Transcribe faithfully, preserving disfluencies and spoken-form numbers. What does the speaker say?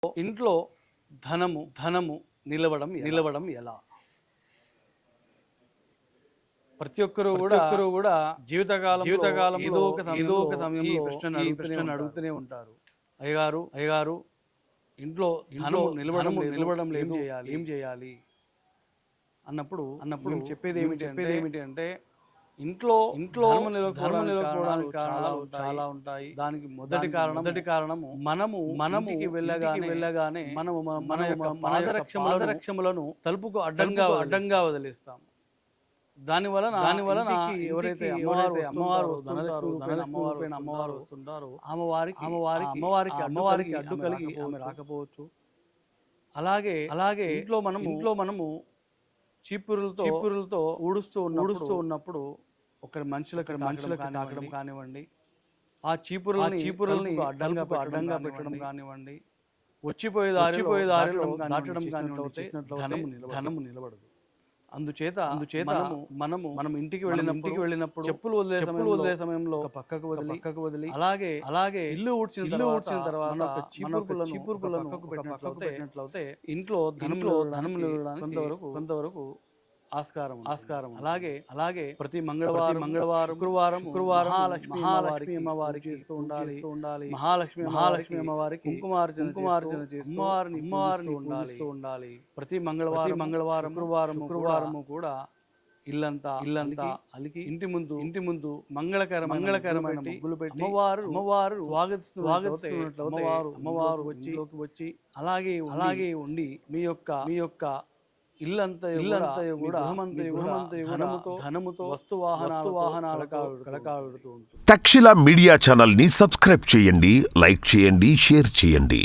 ఇంట్లో ధనము ధనము నిలవడం నిలవడం ఎలా? ప్రతి ఒక్కరు కూడా ఒక్కరు కూడా జీవితకాలం జీవితకాలం ఏదో ఒక ఏదో ఒక సమయంలో ఈ ప్రశ్నను అడుగుతూనే ఉంటారు. అయ్యగారు అయ్యగారు ఇంట్లో ధనము నిలవడం నిలవడం లేదు, ఏం చేయాలి అన్నప్పుడు అన్నప్పుడు చెప్పేది ఏమిటి చెప్పేది ఏమిటి అంటే ఇంట్లో ఇంట్లో ధర్మం నిలవకపోవడానికి కారణాలు చాలా ఉంటాయి. దానికి మొదటి కారణం మొదటి కారణము మనము మనముకి వెళ్ళగానే వెళ్ళగానే మనము మన యొక్క పాదరక్షములను తలుపుకు అడ్డంగా అడ్డంగా వదిలేస్తాం. దాని వలన దాని వలన ఎవరైతే అమ్మవారు అమ్మవారు అమ్మవారు అమ్మవారు వస్తుంటారో అమ్మవారికి అమ్మవారికి అమ్మవారికి అమ్మవారికి అడ్డు కలిగి ఆమె రాకపోవచ్చు. అలాగే అలాగే ఇంట్లో మనము ఇంట్లో మనము చీపురులతో చీపురులతో ఊడుస్తూ ఊడుస్తూ ఉన్నప్పుడు ఒకరి మనుషులకు మనుషులకు తాకడం కానివ్వండి, ఆ చీపురు చీపురుల్ని అడ్డంగా అడ్డంగా పెట్టడం కానివ్వండి, వచ్చిపోయే దారి పోయే దారిలో దాటడం కానివ్వండి, ధనము ధనము నిలబడదు. అందుచేత అందుచేత మనము మనం ఇంటికి వెళ్ళినప్పుడు వెళ్ళినప్పుడు చెప్పులు వదిలే చెప్పులు వదిలే సమయంలో పక్కకు వదిలి పక్కకు వదిలి అలాగే అలాగే ఇల్లు ఊడ్చిన ఇల్లు ఊడ్చిన తర్వాత చీపురులను చీపురులను పక్కకు పెట్టినట్లయితే ఇంట్లో ధనంలో ధనం నిలవడానికి కొంతవరకు కొంతవరకు ఆస్కారం ఆస్కారం అలాగే అలాగే ప్రతి మంగళవారం మంగళవారం శుక్రవారం శుక్రవారం మహాలక్ష్మి అమ్మవారికి చేస్తూ ఉండాలి ఉండాలి మహాలక్ష్మి మహాలక్ష్మి అమ్మవారికి కుంకుమార్చన కుంకుమార్చన చేస్తూ అమ్మవారిని అమ్మవారిని ఉండాలి ఉండాలి ప్రతి మంగళవారం మంగళవారం శుక్రవారం శుక్రవారం కూడా ఇల్లంతా ఇల్లంతా అలికి ఇంటి ముందు ఇంటి ముందు మంగళకర మంగళకరమైన ముగ్గులు పెట్టి అమ్మవారు అమ్మవారు స్వాగతి స్వాగతిస్తున్నట్లు అమ్మవారు అమ్మవారు వచ్చి వచ్చి అలాగే అలాగే ఉండి మీ యొక్క మీ యొక్క ఇల్లంతా ఇల్లంతా కూడా ధనముతో ధనముతో వస్తు వాహనాలు వాహనాల కలకాడుతూ ఉంటుంది. తక్షశిల మీడియా ఛానల్ ని సబ్స్క్రైబ్ చేయండి, లైక్ చేయండి, షేర్ చేయండి.